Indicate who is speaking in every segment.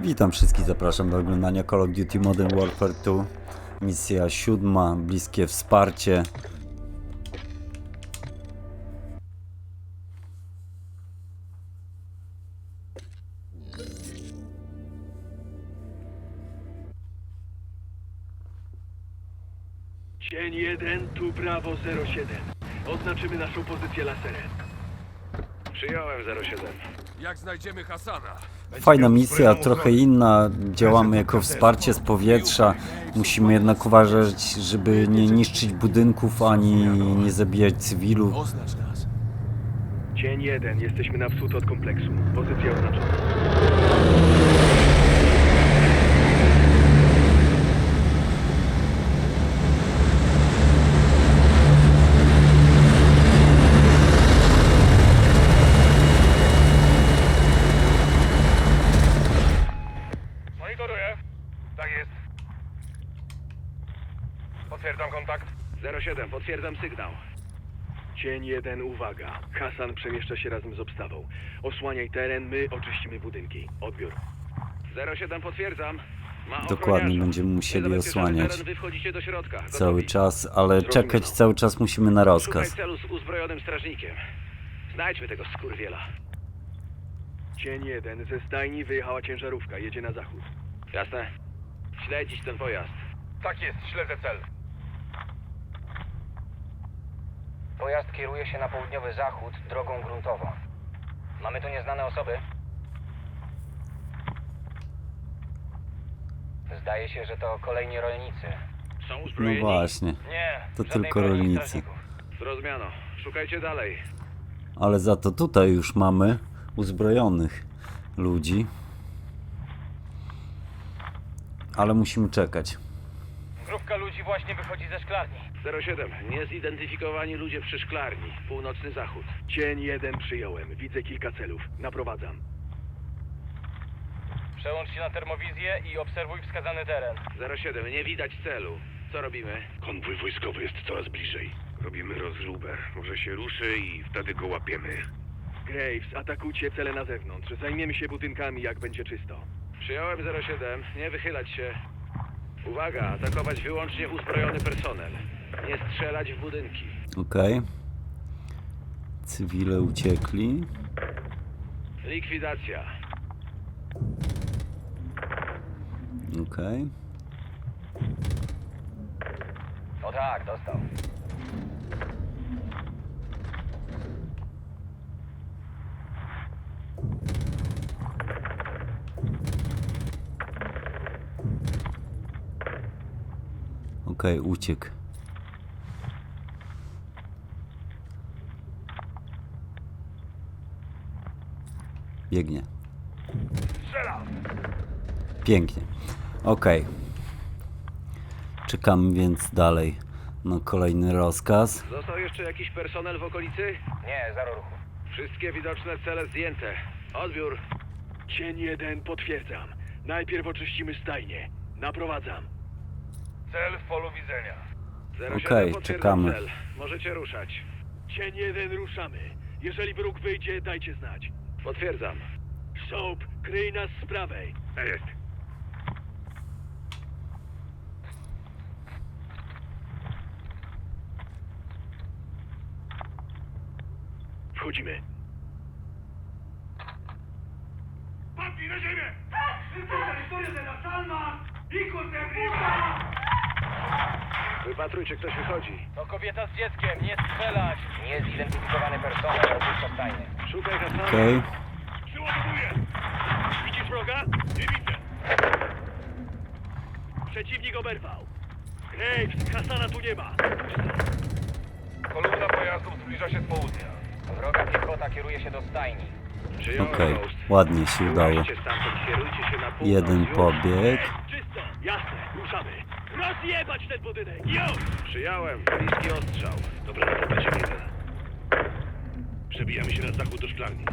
Speaker 1: Witam wszystkich, zapraszam do oglądania Call of Duty Modern Warfare 2. Misja 7, bliskie wsparcie.
Speaker 2: Dzień 1, tu Bravo 07. Oznaczymy naszą pozycję laserem.
Speaker 3: Przyjąłem 07.
Speaker 4: Jak znajdziemy Hasana?
Speaker 1: Fajna misja, trochę inna. Działamy jako wsparcie z powietrza. Musimy jednak uważać, żeby nie niszczyć budynków ani nie zabijać cywilów.
Speaker 4: Oznacz nas.
Speaker 2: Dzień 1, jesteśmy na wschód od kompleksu. Pozycja oznaczona.
Speaker 3: Monitoruję. Tak jest. Potwierdzam kontakt. 07, potwierdzam sygnał.
Speaker 2: Dzień 1, uwaga. Hasan przemieszcza się razem z obstawą. Osłaniaj teren, my oczyścimy budynki. Odbiór.
Speaker 3: 07, potwierdzam. Ma
Speaker 1: Dokładnie,
Speaker 3: ochroniarza.
Speaker 1: będziemy musieli
Speaker 3: Niezabezpieczony
Speaker 1: osłaniać
Speaker 3: teren, wy wchodzicie do środka. Gotowi.
Speaker 1: cały czas, ale czekać cały czas musimy na
Speaker 3: Szukaj
Speaker 1: rozkaz.
Speaker 3: celu z uzbrojonym strażnikiem. Znajdźmy tego skurwiela.
Speaker 2: Dzień 1, ze stajni wyjechała ciężarówka. Jedzie na zachód.
Speaker 3: Jasne? Śledzić ten pojazd.
Speaker 5: Tak jest, śledzę cel.
Speaker 6: Pojazd kieruje się na południowy zachód drogą gruntową. Mamy tu nieznane osoby? Zdaje się, że to kolejni rolnicy.
Speaker 3: Są
Speaker 1: No
Speaker 3: uzbrojeni?
Speaker 1: właśnie,
Speaker 6: Nie,
Speaker 1: to
Speaker 6: żadnej
Speaker 1: tylko
Speaker 6: broni
Speaker 1: rolnicy.
Speaker 6: strażników.
Speaker 3: Zrozumiano. Szukajcie dalej.
Speaker 1: Ale za to tutaj już mamy uzbrojonych ludzi. Ale musimy czekać.
Speaker 6: Grupka ludzi właśnie wychodzi ze szklarni.
Speaker 3: 07, niezidentyfikowani ludzie przy szklarni. Północny zachód.
Speaker 2: Dzień 1, przyjąłem. Widzę kilka celów. Naprowadzam.
Speaker 6: Przełącz się na termowizję i obserwuj wskazany teren.
Speaker 3: 07, nie widać celu. Co robimy?
Speaker 5: Konwój wojskowy jest coraz bliżej. Robimy rozróbę. Może się ruszy i wtedy go łapiemy.
Speaker 2: Graves, atakujcie cele na zewnątrz. Zajmiemy się budynkami, jak będzie czysto.
Speaker 3: Przyjąłem 07, nie wychylać się. Uwaga, atakować wyłącznie uzbrojony personel. Nie strzelać w budynki.
Speaker 1: Okej. Cywile uciekli.
Speaker 3: Likwidacja.
Speaker 1: Okej.
Speaker 6: O tak, dostał.
Speaker 1: Okej, uciekł. Biegnie. Pięknie. Okej. Czekamy więc dalej na kolejny rozkaz.
Speaker 3: Został jeszcze jakiś personel w okolicy?
Speaker 6: Nie, zero ruchu.
Speaker 3: Wszystkie widoczne cele zdjęte. Odbiór.
Speaker 2: Dzień 1, potwierdzam. Najpierw oczyścimy stajnię. Naprowadzam.
Speaker 5: Cel w polu widzenia.
Speaker 3: 07,
Speaker 1: Okej,
Speaker 3: potwierdzam
Speaker 1: czekamy.
Speaker 3: cel. Możecie ruszać.
Speaker 2: Dzień 1, ruszamy. Jeżeli wróg wyjdzie, dajcie znać.
Speaker 3: Potwierdzam.
Speaker 2: Soap, kryj nas z prawej.
Speaker 5: Tak jest.
Speaker 2: Wchodzimy.
Speaker 5: Padnij na ziemię!
Speaker 3: Wypatrujcie, ktoś wychodzi.
Speaker 6: To kobieta z dzieckiem, nie strzelać! Niezidentyfikowany personel opuszcza stajnię.
Speaker 3: Szukaj Hasana.
Speaker 1: Okej.
Speaker 5: Przyładowuję!
Speaker 2: Widzisz wroga?
Speaker 5: Nie widzę.
Speaker 2: Przeciwnik oberwał. Graves, Hasana tu nie ma.
Speaker 5: Kolumna pojazdów zbliża się z południa.
Speaker 6: Wroga piechota kieruje się do stajni.
Speaker 3: Przyjąłem
Speaker 1: Okej.
Speaker 3: Ghost.
Speaker 1: Ładnie się udało.
Speaker 3: Wyłaźcie stamtąd, kierujcie się na północ.
Speaker 1: Jeden
Speaker 3: Już.
Speaker 1: pobieg.
Speaker 2: Czysto. Jasne, ruszamy. Rozjebać ten budynek. Już!
Speaker 3: Przyjąłem. Bliski ostrzał.
Speaker 5: Dobra, to będzie jeden. Przebijamy się na zachód do szklarni.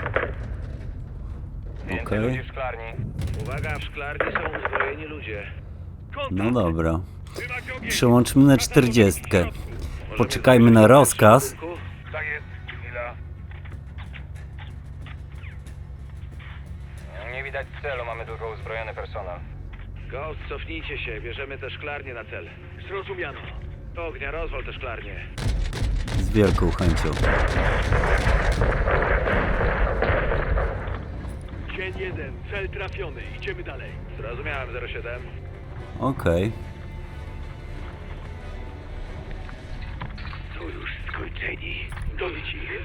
Speaker 6: Więcej
Speaker 1: Okej.
Speaker 6: ludzi w szklarni.
Speaker 3: Uwaga, w szklarni są uzbrojeni ludzie.
Speaker 1: No dobra.
Speaker 5: Trzymać ogień!
Speaker 1: Przełączmy na 40.
Speaker 3: Możemy
Speaker 1: Poczekajmy na rozkaz.
Speaker 3: w budynku?
Speaker 5: Tak jest. Chwila.
Speaker 6: Nie widać celu, mamy tylko uzbrojony personel.
Speaker 3: Ghost, cofnijcie się, bierzemy te szklarnie na cel.
Speaker 2: Zrozumiano.
Speaker 3: Ognia, rozwal te szklarnie.
Speaker 1: Z wielką chęcią.
Speaker 2: Cień 1, cel trafiony. Idziemy dalej.
Speaker 3: Zrozumiałem, 07.
Speaker 1: Okej.
Speaker 5: To już skończeni.
Speaker 2: Dobić ich.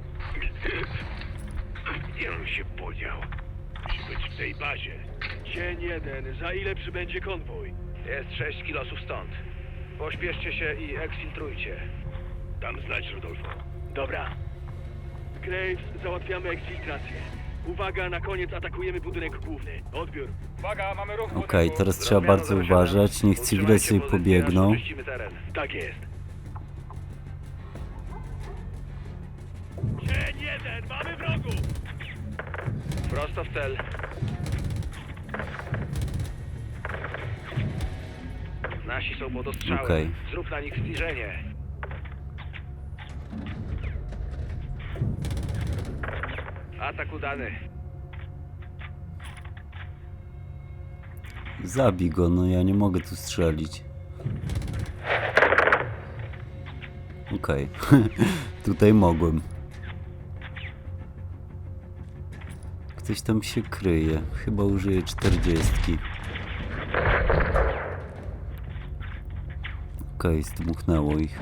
Speaker 5: Gdzie on się podział? Musi być w tej bazie.
Speaker 2: Cień 1, za ile przybędzie konwój?
Speaker 3: Jest 6 kilosów stąd. Pośpieszcie się i eksfiltrujcie.
Speaker 5: Dam znać, Rodolfo.
Speaker 2: Dobra. Graves, załatwiamy eksfiltrację. Uwaga, na koniec atakujemy budynek główny. Odbiór.
Speaker 1: Okej, teraz trzeba bardzo uważać. Niech cywile sobie pobiegną.
Speaker 3: Oczyścimy teren.
Speaker 2: Tak jest. Cień 1, mamy wrogów!
Speaker 3: Prosto w cel. Nasi są pod ostrzałem.
Speaker 1: Okej.
Speaker 3: Zrób na nich zbliżenie. Atak udany.
Speaker 1: Zabij go, no ja nie mogę tu strzelić. Okej. Tutaj mogłem. Ktoś tam się kryje. Chyba użyję 40. Okej, zdmuchnęło ich.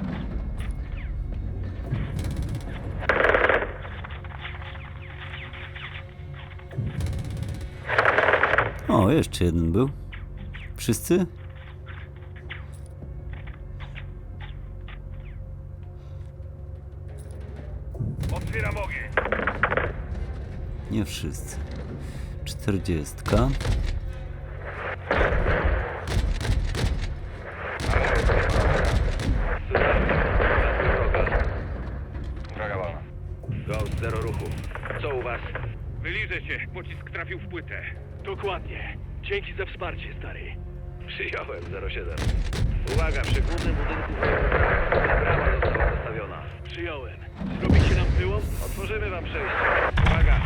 Speaker 1: O, jeszcze jeden był. Wszyscy?
Speaker 5: Otwieram ogień.
Speaker 1: Nie wszyscy. 40.
Speaker 6: Droga wolna.
Speaker 3: Ghost, zero ruchu. Co u was?
Speaker 5: Wyliżę się. Pocisk trafił w płytę.
Speaker 2: Dokładnie. Dzięki za wsparcie, stary.
Speaker 3: Przyjąłem, 07. Uwaga, przy głównym budynku brama została postawiona.
Speaker 2: Przyjąłem. Zrobicie nam wyłom?
Speaker 3: Otworzymy wam przejście. Uwaga!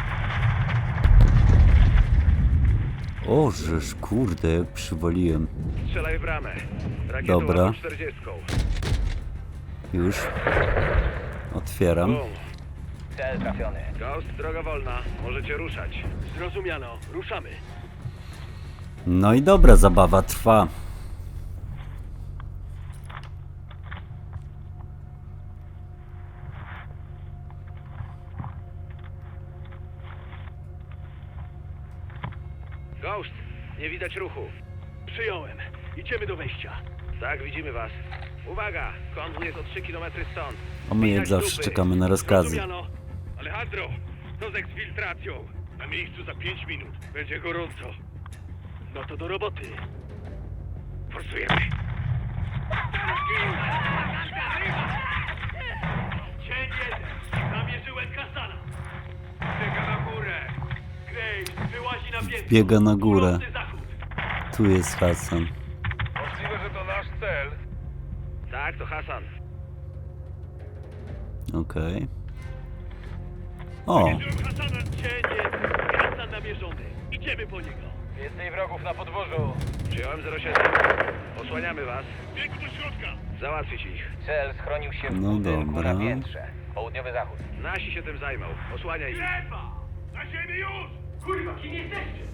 Speaker 1: O, żeż kurde, jak przywaliłem.
Speaker 3: Strzelaj w bramę. Rakietą
Speaker 1: Dobra.
Speaker 3: 40.
Speaker 1: Już. Otwieram.
Speaker 3: Bum.
Speaker 6: Cel trafiony.
Speaker 3: Ghost, droga wolna. Możecie ruszać.
Speaker 2: Zrozumiano. Ruszamy.
Speaker 1: No i dobra, zabawa trwa.
Speaker 3: Ghost, nie widać ruchu.
Speaker 2: Przyjąłem. Idziemy do wejścia.
Speaker 3: Tak, widzimy was. Uwaga! Konwój jest o 3 km stąd.
Speaker 1: A my jak
Speaker 3: Widać
Speaker 1: zawsze
Speaker 3: trupy.
Speaker 1: czekamy na rozkazy.
Speaker 2: Zrozumiano.
Speaker 5: Alejandro, co z eksfiltracją? Na miejscu za 5 minut. Będzie gorąco.
Speaker 2: No to do roboty.
Speaker 5: Forsujemy.
Speaker 2: Cień 1. Namierzyłem Hasana.
Speaker 5: Biega na górę.
Speaker 2: Graves wyłazi na piętro.
Speaker 1: Biega na górę.
Speaker 2: Północny zachód.
Speaker 1: Tu jest Hasan.
Speaker 5: Możliwe, że to nasz cel.
Speaker 3: Tak, to Hasan.
Speaker 1: Okej. O,
Speaker 2: Hasana. Cień 1. Hasan namierzony. Idziemy po niego.
Speaker 6: Więcej wrogów na podwórzu.
Speaker 3: Przyjąłem 07. Osłaniamy was.
Speaker 5: Bieg do środka.
Speaker 3: Załatwić ich.
Speaker 6: Cel schronił się w
Speaker 1: No
Speaker 6: budynku
Speaker 1: dobra.
Speaker 6: na piętrze. Południowy zachód.
Speaker 3: Nasi się tym zajmą. Osłaniaj ich.
Speaker 2: Strefa!
Speaker 5: Na ziemię już!
Speaker 2: Kurwa, kim jesteście?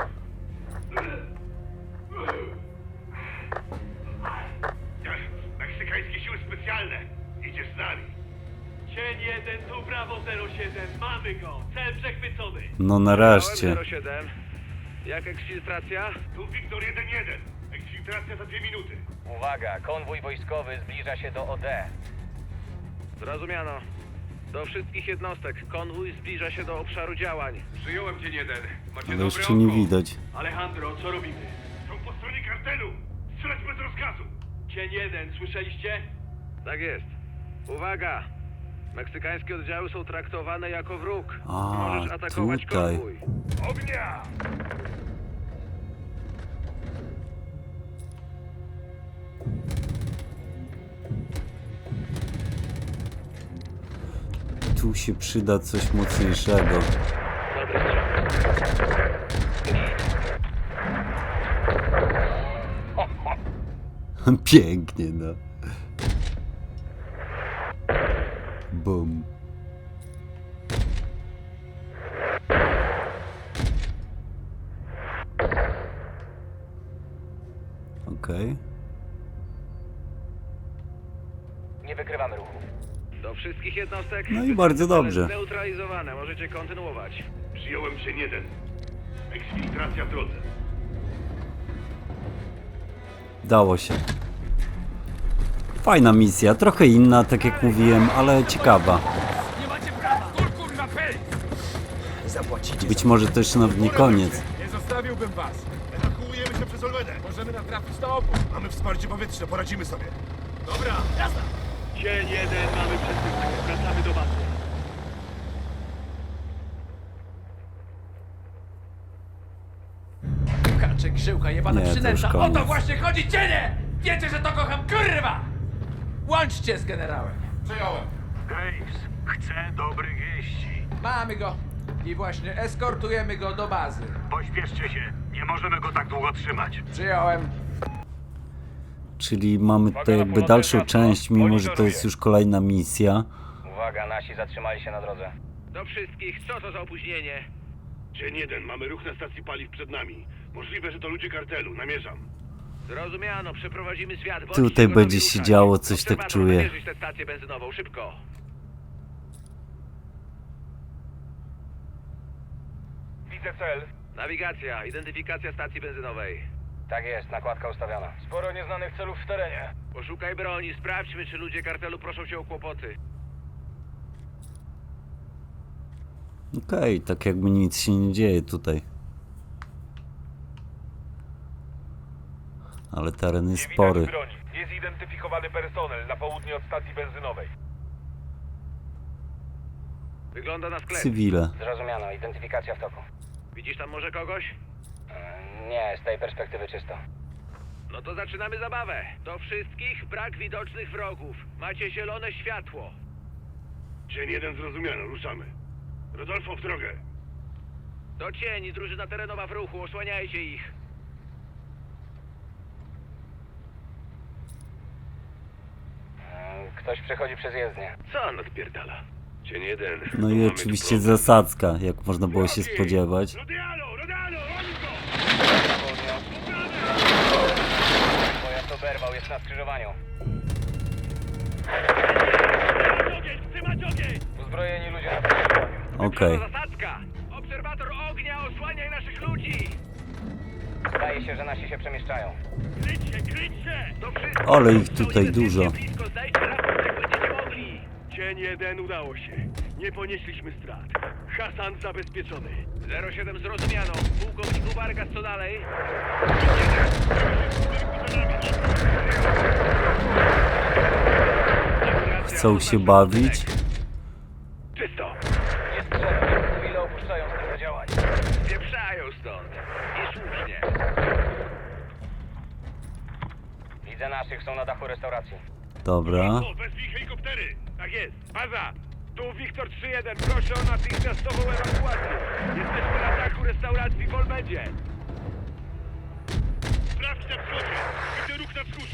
Speaker 5: Meksykańskie siły specjalne. Idziesz z nami.
Speaker 2: Cień 1, tu Brawo 07. Mamy go. Cel przechwycony.
Speaker 1: no nareszcie.
Speaker 3: Przyjąłem 07. Jak eksfiltracja?
Speaker 5: Tu Wiktor 1-1. Eksfiltracja za 2 minuty.
Speaker 6: Uwaga, konwój wojskowy zbliża się do OD.
Speaker 3: Zrozumiano. Do wszystkich jednostek. Konwój zbliża się do obszaru działań.
Speaker 5: Przyjąłem cię 1. Macie
Speaker 1: Ale jeszcze nie widać.
Speaker 2: Alejandro, co robimy?
Speaker 5: Są po stronie kartelu. Strzelać bez rozkazu.
Speaker 2: Cień 1, słyszeliście?
Speaker 3: Tak jest. Uwaga! Meksykańskie oddziały są traktowane jako wróg.
Speaker 1: A,
Speaker 3: Możesz atakować
Speaker 1: tutaj.
Speaker 3: konwój.
Speaker 5: Ognia!
Speaker 1: Tu się przyda coś mocniejszego.
Speaker 3: Dobry strzał.
Speaker 1: Pięknie, no. Bum. Okej.
Speaker 6: Nie wykrywamy ruchu.
Speaker 3: Do wszystkich jednostek.
Speaker 1: No i bardzo dobrze.
Speaker 3: Zneutralizowane, możecie kontynuować.
Speaker 5: Przyjąłem cień jeden. Eksfiltracja w drodze.
Speaker 1: Dało się. Fajna misja, trochę inna, tak jak mówiłem, ale ciekawa.
Speaker 4: Nie macie prawa! Kur, kurwa, pej!
Speaker 1: Być może to jeszcze nawet nie koniec.
Speaker 4: Nie zostawiłbym was!
Speaker 5: Ewakuujemy się przez Olmedę.
Speaker 4: Możemy natrafić na opór!
Speaker 5: Mamy wsparcie powietrzne, poradzimy sobie.
Speaker 4: Dobra, jazda!
Speaker 2: Cień jeden, mamy przesyłkę. Wracamy do bazy.
Speaker 7: Kaczek, żyłka, jebana
Speaker 1: Nie, to już
Speaker 7: przynęta. O
Speaker 1: koniec.
Speaker 7: to właśnie chodzi, cienie! Wiecie, że to kocham, kurwa! Łączcie z generałem.
Speaker 4: Przejąłem.
Speaker 5: Graves, chcę dobrych wieści.
Speaker 7: Mamy go. I właśnie eskortujemy go do bazy.
Speaker 5: Pośpieszcie się. Nie możemy go tak długo trzymać.
Speaker 7: Przyjąłem.
Speaker 1: Czyli mamy tutaj jakby dalszą część, mimo że to jest już kolejna misja.
Speaker 6: Uwaga, nasi zatrzymali się na drodze.
Speaker 3: Do wszystkich, co to za opóźnienie?
Speaker 5: Dzień jeden, mamy ruch na stacji paliw przed nami. Możliwe, że to ludzie kartelu, namierzam.
Speaker 3: Zrozumiano, przeprowadzimy zwiat. Bądźcie
Speaker 1: Tutaj
Speaker 3: gotowi
Speaker 1: będzie się
Speaker 3: ruszać.
Speaker 1: działo, coś tak
Speaker 3: Obserwator,
Speaker 1: czuję.
Speaker 3: namierzyć tę stację benzynową, szybko.
Speaker 5: Widzę cel.
Speaker 3: Nawigacja, identyfikacja stacji benzynowej.
Speaker 6: Tak jest, nakładka ustawiona.
Speaker 5: Sporo nieznanych celów w terenie.
Speaker 3: Poszukaj broni, sprawdźmy, czy ludzie kartelu proszą cię o kłopoty.
Speaker 1: Okej, tak jakby nic się nie dzieje tutaj. Ale teren jest spory.
Speaker 5: broni. Niezidentyfikowany personel na południe od stacji benzynowej.
Speaker 3: Wygląda na sklep.
Speaker 1: Cywile.
Speaker 6: Zrozumiano, identyfikacja w toku.
Speaker 3: Widzisz tam może kogoś?
Speaker 6: Nie, z tej perspektywy czysto.
Speaker 3: No to zaczynamy zabawę. Do wszystkich brak widocznych wrogów. Macie zielone światło.
Speaker 5: Dzień jeden zrozumiano, ruszamy. Rodolfo, w drogę.
Speaker 3: Do cieni, drużyna terenowa w ruchu, osłaniajcie ich.
Speaker 6: Ktoś przechodzi przez jezdnię.
Speaker 3: Co on odpierdala?
Speaker 5: Dzień jeden.
Speaker 1: No i oczywiście zasadzka, jak można było się spodziewać.
Speaker 5: Rodialo, Rodialo, oni go!
Speaker 6: Pojazd oberwał, jest na skrzyżowaniu.
Speaker 5: Ogień, trzymać ogień!
Speaker 6: Uzbrojeni ludzie na skrzyżowaniu.
Speaker 1: Okej.
Speaker 3: Zasadzka! Obserwator ognia, osłaniaj naszych ludzi!
Speaker 6: Zdaje się, że nasi się przemieszczają.
Speaker 5: Kryć się!
Speaker 3: Do wszystkich!
Speaker 1: Ale ich
Speaker 3: Są
Speaker 1: tutaj
Speaker 3: niebezpiecznie
Speaker 1: dużo.
Speaker 3: Blisko, zdajcie raport, jak będziecie mogli.
Speaker 2: Cień jeden, udało się. Nie ponieśliśmy strat. Hasan zabezpieczony.
Speaker 3: 07 zrozumiano. Pułkowniku Vargas, co dalej?
Speaker 1: Chcą się bawić.
Speaker 2: Czysto.
Speaker 6: Nie strzelaj, cywile opuszczają strefę działań.
Speaker 3: Pieprzają stąd. I słusznie.
Speaker 6: Widzę naszych, są na dachu restauracji.
Speaker 1: Dobra.
Speaker 5: O, wezwij helikoptery!
Speaker 2: Tak jest. Baza. Tu Wiktor 3-1. Proszę o natychmiastową ewakuację. Jesteśmy na dachu restauracji w Olmedzie.
Speaker 5: Sprawdź na wschodzie! Widzę ruch na wschód!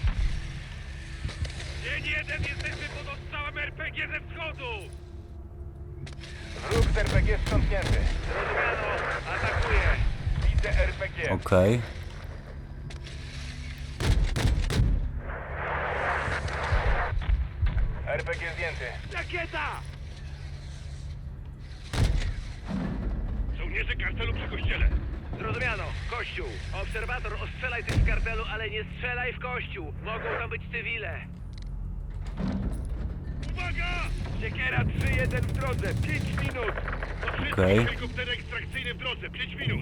Speaker 5: Dzień jeden, jesteśmy pod ostrzałem RPG ze wschodu!
Speaker 6: Wróg z RPG sprzątnięty.
Speaker 3: Zrozumiano. Atakuję.
Speaker 5: Widzę RPG!
Speaker 1: Okej.
Speaker 6: RPG zdjęty.
Speaker 5: Rakieta! Żołnierze kartelu przy kościele!
Speaker 3: Zrozumiano. Kościół. Obserwator, ostrzelaj tych z kartelu, ale nie strzelaj w kościół. Mogą tam być cywile.
Speaker 5: Uwaga!
Speaker 2: Siekiera 3-1 w drodze. 5 minut.
Speaker 5: Do wszystkich
Speaker 1: Okej.
Speaker 5: helikoptery ekstrakcyjne w drodze! 5 minut!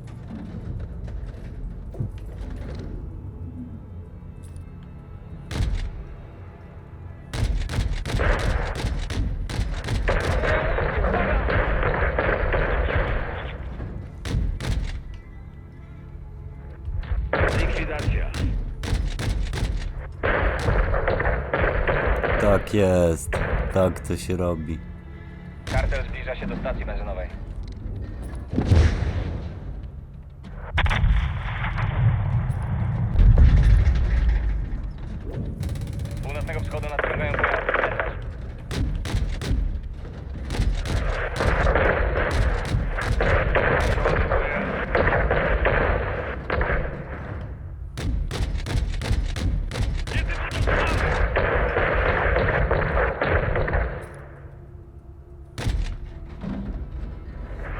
Speaker 2: Likwidacja.
Speaker 1: Tak jest. Tak to się robi.
Speaker 6: Kartel zbliża się do stacji benzynowej.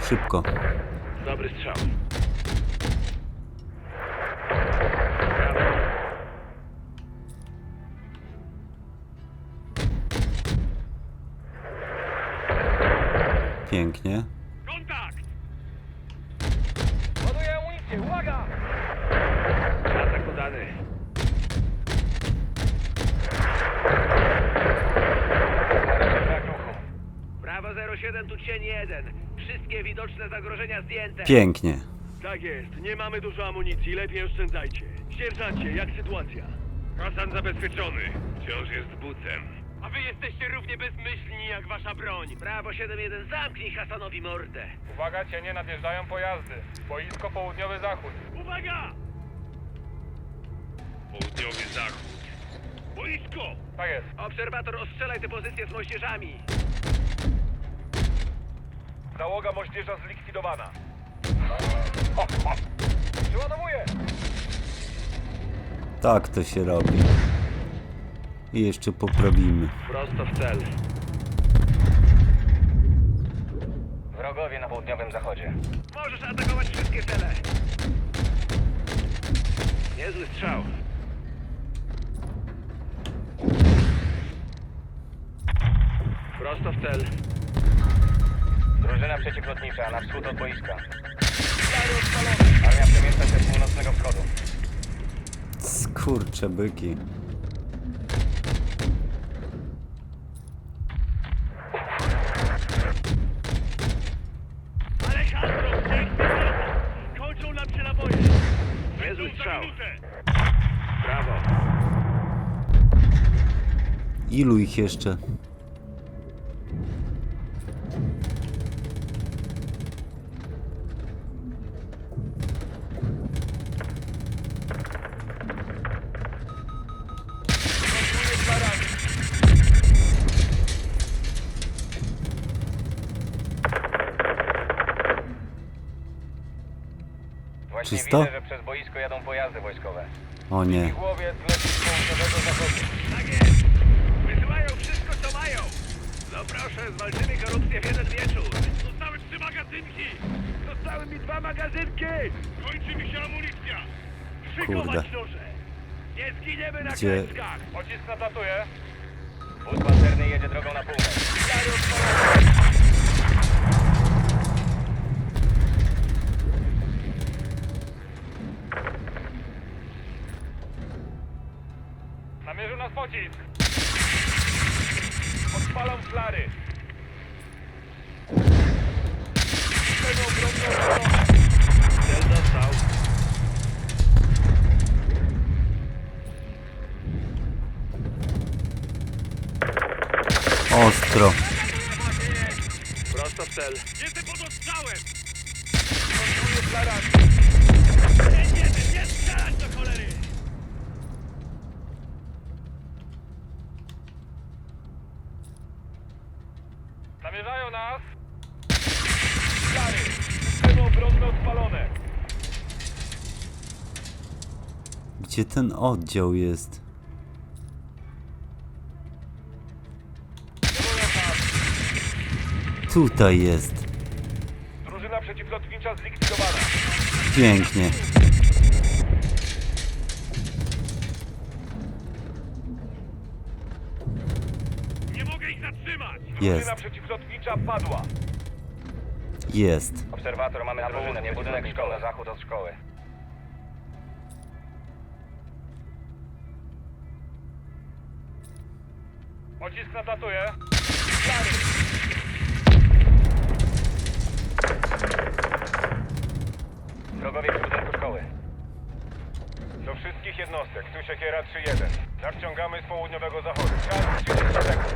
Speaker 1: Szybko.
Speaker 2: Dobry strzał.
Speaker 1: Pięknie.
Speaker 2: Kontakt!
Speaker 6: Ładuję amunicję, uwaga!
Speaker 2: Atak udany.
Speaker 6: Brak ruchu.
Speaker 3: Brawo 07, tu cień 1. Wszystkie widoczne zagrożenia zdjęte.
Speaker 1: Pięknie.
Speaker 2: Tak jest, nie mamy dużo amunicji, lepiej oszczędzajcie. Sierżancie, jak sytuacja?
Speaker 5: Hasan zabezpieczony. Wciąż jest bucem.
Speaker 2: A wy jesteście równie bezmyślni jak wasza broń.
Speaker 3: Brawo 7-1, zamknij Hasanowi mordę.
Speaker 8: Uwaga, cienie, nadjeżdżają pojazdy. Boisko południowy zachód.
Speaker 2: Uwaga!
Speaker 5: Południowy zachód. Boisko!
Speaker 8: Tak jest.
Speaker 3: Obserwator, ostrzelaj te pozycje z moździerzami.
Speaker 8: Załoga moździerza zlikwidowana. Przeładowuję!
Speaker 1: Tak to się robi. I jeszcze poprawimy.
Speaker 2: Prosto w cel.
Speaker 6: Wrogowie na południowym zachodzie.
Speaker 3: Możesz atakować wszystkie cele.
Speaker 2: Niezły strzał. Prosto w cel.
Speaker 6: Drużyna przeciwlotnicza na wschód od boiska. Armia przemieszcza się z północnego wschodu.
Speaker 1: Skurcze byki.
Speaker 2: Alejandro, kończą nam się naboje. Niezły strzał. Brawo.
Speaker 1: Ilu ich jeszcze?
Speaker 6: Właśnie
Speaker 1: Czysto?
Speaker 6: widzę, że przez boisko jadą pojazdy wojskowe.
Speaker 1: O nie.
Speaker 6: Głowiec leci z południowego zachodu.
Speaker 3: Tak jest. Wysyłają wszystko, co mają. No proszę, zwalczymy korupcję w jeden wieczór.
Speaker 2: Zostały 3 magazynki. Zostały mi 2 magazynki. Kończy mi się amunicja.
Speaker 1: Kurde.
Speaker 2: Szykować noże. Nie zginiemy na
Speaker 1: Gdzie-
Speaker 2: klęskach.
Speaker 8: Pocisk nadlatuje.
Speaker 6: Wóz pancerny jedzie drogą na północ.
Speaker 8: Namierzył nas pocisk. Odpalam flary.
Speaker 2: Cel dostał.
Speaker 1: Ostro.
Speaker 2: Prosto w cel. Jestem pod ostrzałem. Nie strzelać do cholery.
Speaker 8: Namierzają nas. Flary. Systemy obronne odpalone.
Speaker 1: Gdzie ten oddział jest?
Speaker 8: Celują nas.
Speaker 1: Tutaj jest.
Speaker 8: Drużyna przeciwlotnicza zlikwidowana.
Speaker 1: Pięknie.
Speaker 2: Nie mogę ich zatrzymać.
Speaker 1: Jest.
Speaker 8: Drużyna przeciwlotnicza padła.
Speaker 1: Jest.
Speaker 6: Obserwator, mamy na południe, budynek szkoły, na zachód od szkoły.
Speaker 8: Pocisk nadlatuje. Flary.
Speaker 6: Wrogowie w budynku szkoły.
Speaker 8: Do wszystkich jednostek, tu Siekiera 3-1. Nadciągamy z południowego zachodu. Czas 30 sekund.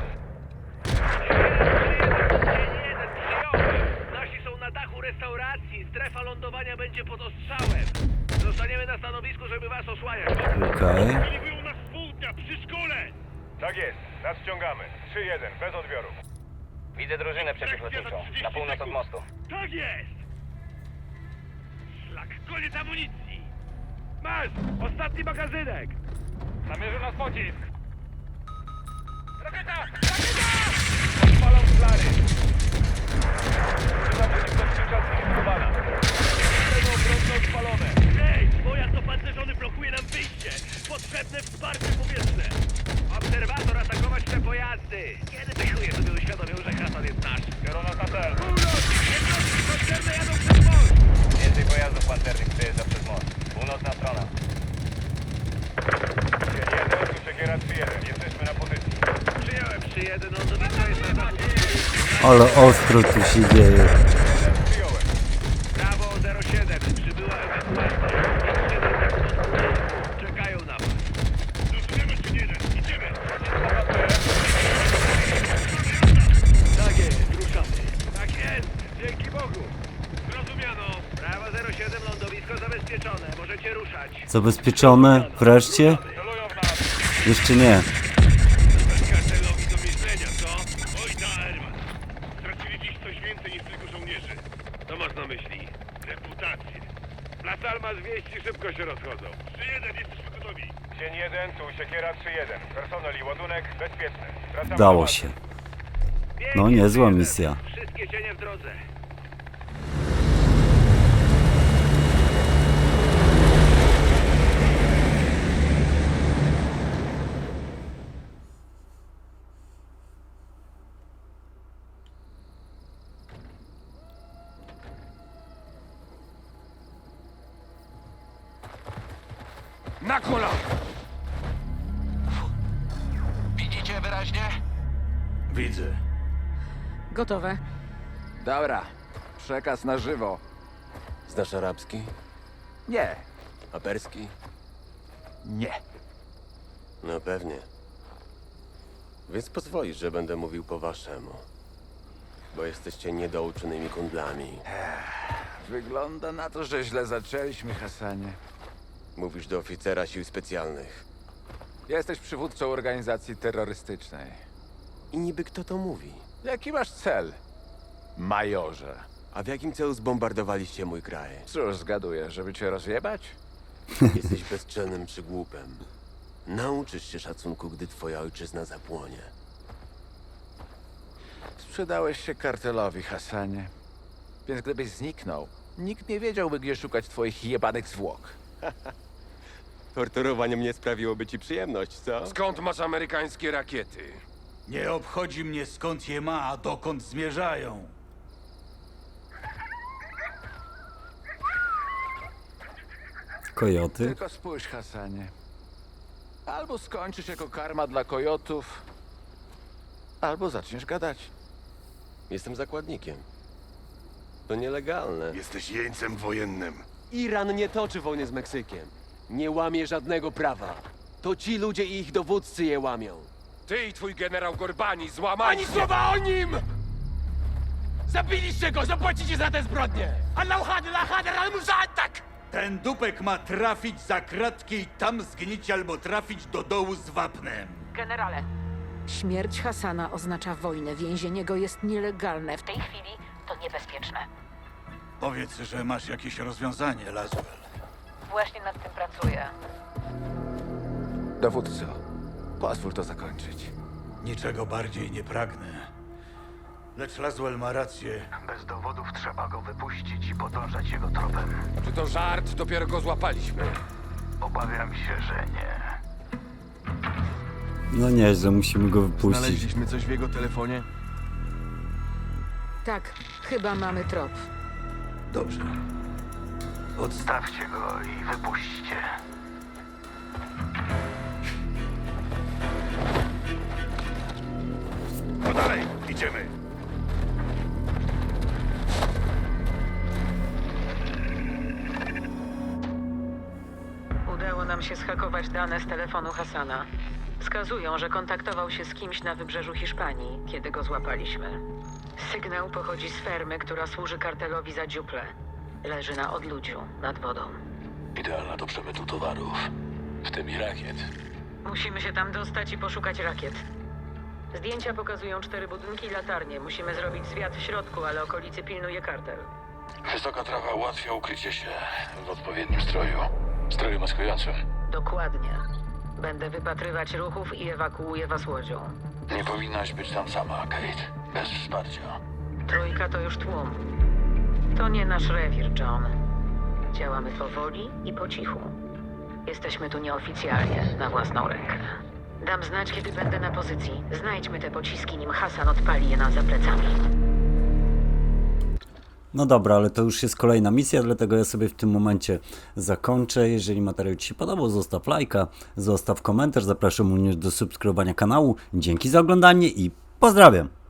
Speaker 3: Nasi są na dachu restauracji. Strefa lądowania będzie pod ostrzałem. Zostaniemy na stanowisku, żeby was osłaniać.
Speaker 1: Okej.
Speaker 2: Byli nas z południa przy szkole.
Speaker 8: Tak jest, nadciągamy. 3-1, bez odbioru.
Speaker 6: Widzę drużynę przeciwlotniczą, na północ od mostu.
Speaker 2: Tak jest. Szlak, koniec amunicji. Masz, ostatni magazynek.
Speaker 8: Namierzył nas pocisk. Rakieta! Rakieta! Odpalam flary.
Speaker 2: Hej! Pojazd opancerzony blokuje nam wyjście! Potrzebne wsparcie powietrzne!
Speaker 3: Obserwator, atakować te pojazdy! Kiedy te chuje sobie uświadomią, że Hasan jest nasz?
Speaker 8: Kierunek na cel.
Speaker 3: Jednostki koncerne jadą przez most!
Speaker 6: Więcej pojazdów pancernych przejeżdża przez most. Północna strona.
Speaker 8: Dzień 1, tu Siekiera 3-1. Jesteśmy na pozycji.
Speaker 3: Przyjąłem 3-1, lądowisko jest na zachód.
Speaker 1: Ale ostro tu się dzieje.
Speaker 8: Przyjąłem.
Speaker 3: Prawo 07, przybyła ewakuacja. Jest 7 sekund. Czekają na was.
Speaker 5: Zrozumiemy, czy nie, idziemy!
Speaker 2: Tak jest, ruszamy.
Speaker 3: Tak jest, dzięki Bogu.
Speaker 5: Zrozumiano!
Speaker 3: Prawo 07, lądowisko zabezpieczone. Możecie ruszać.
Speaker 1: Zabezpieczone? Wreszcie?
Speaker 8: Celują w nas.
Speaker 1: Jeszcze nie.
Speaker 5: Kartelowi do myślenia, co? Oj, da, Herman. Stracili dziś coś więcej niż tylko żołnierzy. Co masz na myśli? Reputację.
Speaker 3: Las Almas wieści szybko się rozchodzą.
Speaker 5: 3-1, jesteśmy gotowi.
Speaker 8: Dzień 1, tu Siekiera 3-1. Personel i ładunek bezpieczny. Wracamy
Speaker 1: Udało
Speaker 8: do bazy.
Speaker 1: się.
Speaker 3: Pięknie,
Speaker 1: No niezła
Speaker 3: 3-1.
Speaker 1: misja.
Speaker 3: Wszystkie cienie w drodze.
Speaker 4: Na kola!
Speaker 3: Widzicie wyraźnie?
Speaker 4: Widzę.
Speaker 9: Gotowe.
Speaker 7: Dobra, przekaz na żywo.
Speaker 10: Znasz arabski?
Speaker 7: Nie,
Speaker 10: A perski?
Speaker 7: nie.
Speaker 10: No pewnie. Więc pozwolisz, że będę mówił po waszemu. Bo jesteście niedouczonymi kundlami.
Speaker 7: Wygląda na to, że źle zaczęliśmy, Hasanie.
Speaker 10: Mówisz do oficera sił specjalnych.
Speaker 7: Jesteś przywódcą organizacji terrorystycznej.
Speaker 10: I niby kto to mówi?
Speaker 7: Jaki masz cel, majorze?
Speaker 10: A w jakim celu zbombardowaliście mój kraj?
Speaker 7: Cóż, zgaduję, żeby cię rozjebać?
Speaker 10: Jesteś bezczelnym przygłupem. Nauczysz się szacunku, gdy twoja ojczyzna zapłonie.
Speaker 7: Sprzedałeś się kartelowi, Hasanie. Więc gdybyś zniknął, nikt nie wiedziałby, gdzie szukać twoich jebanych zwłok.
Speaker 10: Torturowanie mnie sprawiłoby ci przyjemność, co?
Speaker 4: Skąd masz amerykańskie rakiety?
Speaker 11: Nie obchodzi mnie skąd je ma, a dokąd zmierzają.
Speaker 1: Kojoty?
Speaker 7: Tylko spójrz, Hasanie. Albo skończysz jako karma dla kojotów, albo zaczniesz gadać.
Speaker 10: Jestem zakładnikiem. To nielegalne.
Speaker 5: Jesteś jeńcem wojennym.
Speaker 10: Iran nie toczy wojny z Meksykiem. Nie łamie żadnego prawa. To ci ludzie i ich dowódcy je łamią.
Speaker 4: Ty i twój generał Gorbani złamali
Speaker 7: Ani
Speaker 4: się.
Speaker 7: słowa o nim!
Speaker 4: Zabiliście go, zapłacicie za te zbrodnie!
Speaker 11: Ten dupek ma trafić za kratki i tam zgnić albo trafić do dołu z wapnem.
Speaker 9: Generale. Śmierć Hasana oznacza wojnę. Więzienie go jest nielegalne. W tej chwili to niebezpieczne.
Speaker 11: Powiedz, że masz jakieś rozwiązanie, Laswell.
Speaker 9: Właśnie nad tym pracuję.
Speaker 7: Dowódco, pozwól to zakończyć.
Speaker 11: Niczego bardziej nie pragnę. Lecz Laswell ma rację.
Speaker 8: Bez dowodów trzeba go wypuścić i podążać jego tropem.
Speaker 4: Czy to żart? Dopiero go złapaliśmy.
Speaker 8: Obawiam się, że nie.
Speaker 1: No nieźle, musimy go wypuścić.
Speaker 10: coś w jego telefonie?
Speaker 9: Tak, chyba mamy trop.
Speaker 11: Dobrze.
Speaker 8: Odstawcie go i wypuśćcie.
Speaker 5: No dalej, idziemy!
Speaker 9: Udało nam się zhakować dane z telefonu Hasana. Wskazują, że kontaktował się z kimś na wybrzeżu Hiszpanii, kiedy go złapaliśmy. Sygnał pochodzi z fermy, która służy kartelowi za dziuplę. Leży na odludziu, nad wodą.
Speaker 3: Idealna do przemytu towarów, w tym i rakiet.
Speaker 9: Musimy się tam dostać i poszukać rakiet. Zdjęcia pokazują 4 budynki i latarnie. Musimy zrobić zwiat w środku, ale okolicy pilnuje kartel.
Speaker 3: Wysoka trawa ułatwia ukrycie się w odpowiednim stroju. Stroju maskującym.
Speaker 9: Dokładnie. Będę wypatrywać ruchów i ewakuuję was łodzią.
Speaker 3: Nie powinnaś być tam sama, Kate. Bez wsparcia.
Speaker 9: Trójka to już tłum. To nie nasz rewir, John. Działamy powoli i po cichu. Jesteśmy tu nieoficjalnie, na własną rękę. Dam znać, kiedy będę na pozycji. Znajdźmy te pociski, nim Hasan odpali je nam za plecami.
Speaker 1: No dobra, ale to już jest kolejna misja, dlatego ja sobie w tym momencie zakończę. Jeżeli materiał Ci się podobał, zostaw lajka, zostaw komentarz, zapraszam również do subskrybowania kanału. Dzięki za oglądanie i pozdrawiam!